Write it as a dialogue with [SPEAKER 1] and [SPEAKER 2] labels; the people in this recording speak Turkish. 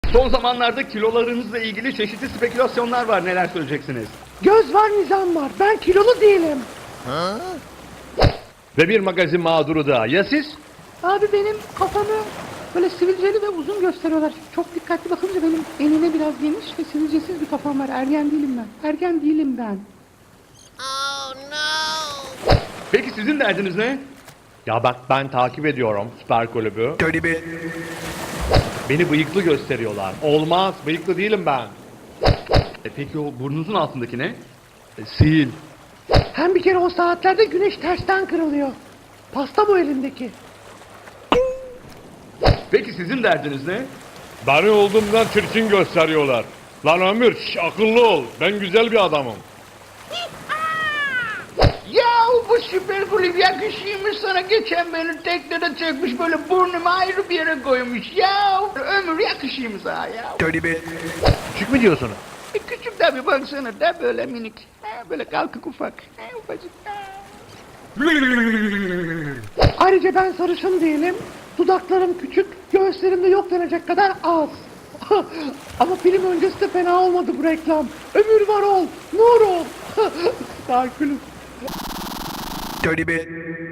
[SPEAKER 1] Son zamanlarda kilolarınızla ilgili çeşitli spekülasyonlar var. Neler söyleyeceksiniz?
[SPEAKER 2] Göz var, nizam var. Ben kilolu değilim.
[SPEAKER 3] Ve bir magazin mağduru daha. Ya siz?
[SPEAKER 2] Abi benim kafamı böyle sivilceli ve uzun gösteriyorlar. Çok dikkatli bakınca benim enine biraz geniş ve sivilcesiz bir kafam var. Ergen değilim ben. Ergen değilim ben.
[SPEAKER 1] Peki sizin derdiniz ne?
[SPEAKER 3] Ya bak ben takip ediyorum Süper Kulübü. Beni bıyıklı gösteriyorlar. Olmaz, bıyıklı değilim ben.
[SPEAKER 1] Peki o burnunuzun altındaki ne? Sil.
[SPEAKER 2] Hem bir kere o saatlerde güneş tersten kırılıyor. Pasta bu elindeki.
[SPEAKER 1] Peki sizin derdiniz ne?
[SPEAKER 3] Beni olduğumdan çirkin gösteriyorlar. Lan Ömür, akıllı ol. Ben güzel bir adamım.
[SPEAKER 4] Ya bu süper kulüp yakışıymış sana, geçen beni teknede çekmiş böyle burnumu ayrı bir yere koymuş ya. Ömür yakışıymış sana ya.
[SPEAKER 3] Küçük mü diyorsunuz?
[SPEAKER 4] Küçük tabi, baksana da böyle minik. Böyle kalkık ufak. Ufacık.
[SPEAKER 2] Ayrıca ben sarışın değilim. Dudaklarım küçük, göğüslerim de yok denecek kadar az. Ama film öncesi de fena olmadı bu reklam. Ömür var ol, nur ol. Darkulüm.